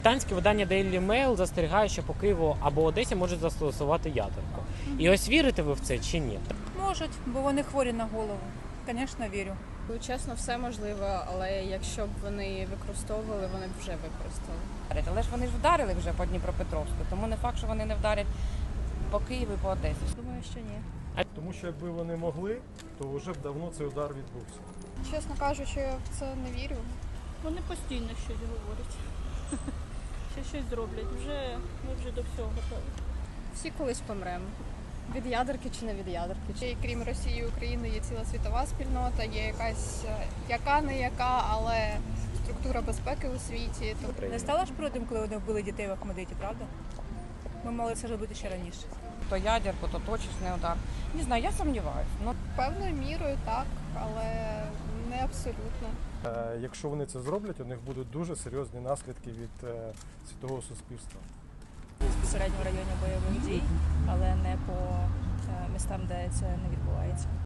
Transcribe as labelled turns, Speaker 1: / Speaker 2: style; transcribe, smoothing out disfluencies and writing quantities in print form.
Speaker 1: Британське видання Daily Mail застерігає, що по Києву або Одесі можуть застосувати ядерку. І ось вірите ви в це чи ні?
Speaker 2: Можуть, бо вони хворі на голову. Звісно, вірю.
Speaker 3: Чесно, все можливо, але якщо б вони використовували, вони б вже використали.
Speaker 4: Але ж вони ж вдарили вже по Дніпропетровську, тому не факт, що вони не вдарять по Києву і по Одесі.
Speaker 2: Думаю, що ні.
Speaker 5: Тому що якби вони могли, то вже б давно цей удар відбувся.
Speaker 6: Чесно кажучи, я в це не вірю.
Speaker 7: Вони постійно щось говорять. Ще щось зроблять. Ми вже до всього готові.
Speaker 3: Всі колись помремо. Від ядерки чи не від ядерки.
Speaker 6: Ще й крім Росії і України є ціла світова спільнота, є якась яка не яка, але структура безпеки у світі.
Speaker 2: Не стала ж проти, коли вони вбили дітей в Ахмедиті, правда? Ми мали це робити ще раніше.
Speaker 4: То ядерку, то точечний удар. Не знаю, я сумніваюся. Ну,
Speaker 6: Певною мірою так, але не абсолютно.
Speaker 5: Якщо вони це зроблять, у них будуть дуже серйозні наслідки від світового суспільства.
Speaker 8: Безпосередньо в районі бойових дій, але не по містам, де це не відбувається.